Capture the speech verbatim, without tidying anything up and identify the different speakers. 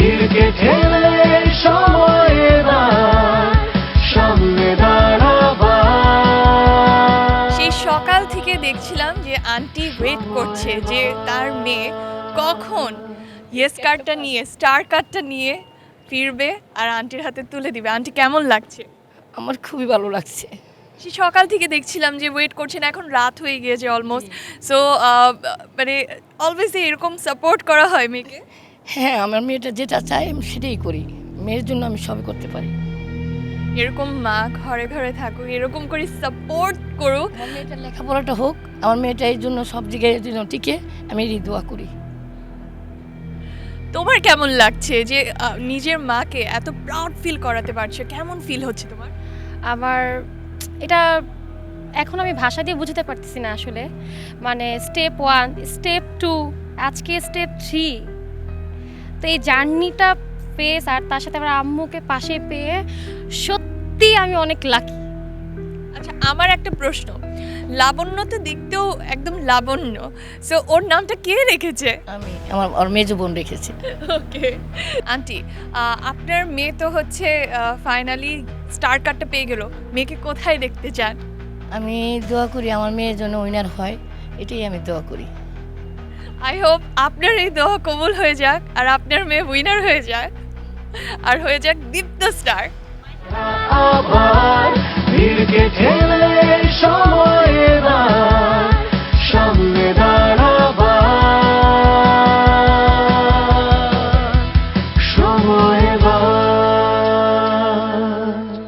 Speaker 1: ভিড়কে ঠেলে সময় এবার সামনে দাঁড়াবার।
Speaker 2: সেই সকাল থেকে দেখছিলাম যে আন্টি ওয়েট করছে যে তার মেয়ে কখন ইয়েস কার্ডটা নিয়ে স্টার কার্ডটা নিয়ে ফিরবে আর আন্টির হাতে তুলে দিবে। আন্টি কেমন লাগছে?
Speaker 3: আমার খুবই ভালো লাগছে।
Speaker 2: সেই সকাল থেকে দেখছিলাম যে ওয়েট করছেন, এখন রাত হয়ে গিয়েছে অলমোস্ট। সো মানে অলওয়েজ এরকম সাপোর্ট করা হয় মেয়েকে?
Speaker 3: হ্যাঁ, আমার মেয়েটা যেটা চায় আমি সেটাই করি। মেয়ের জন্য আমি সবই করতে পারি।
Speaker 2: এরকম মা ঘরে ঘরে থাকুক, এরকম করে সাপোর্ট করুক।
Speaker 3: আমার মেয়েটার লেখাপড়াটা হোক, আমার মেয়েটা এই জন্য সব জায়গায় জন্য টিকে, আমি এই দোয়া করি।
Speaker 2: তোমার কেমন লাগছে যে আহ, নিজের মাকে এত প্রাউড ফিল করাতে পারছো? কেমন ফিল হচ্ছে তোমার?
Speaker 4: আমার এটা এখন আমি ভাষা দিয়ে বুঝতে পারতেছি না আসলে। মানে স্টেপ ওয়ান, স্টেপ টু, আজকে স্টেপ থ্রি। তো এই জার্নিটা ফেস আর তার সাথে আমার আম্মুকে পাশে পেয়ে সত্যি আমি অনেক লাকি।
Speaker 2: আচ্ছা, আমার একটা প্রশ্ন, লাবণ্য তো দেখতেও একদম লাবণ্য, সো ওর নামটা কে রেখেছে?
Speaker 3: আমি আমার ওর মেজো বোন রেখেছি।
Speaker 2: ওকে আন্টি, আপনার মেয়ে তো হচ্ছে ফাইনালি স্টার কার্ডটা পেয়ে গেল, মেয়েকে কোথায় দেখতে চান?
Speaker 3: আমি দোয়া করি আমার মেয়ের জন্য উইনার হয়, এটাই আমি দোয়া করি।
Speaker 2: আই হোপ আপনার এই দোয়া কবুল হয়ে যাক আর আপনার মেয়ে উইনার হয়ে যাক আর হয়ে যাক দীপ্ত স্টার।
Speaker 1: আবার ভিড়কে ঠেলে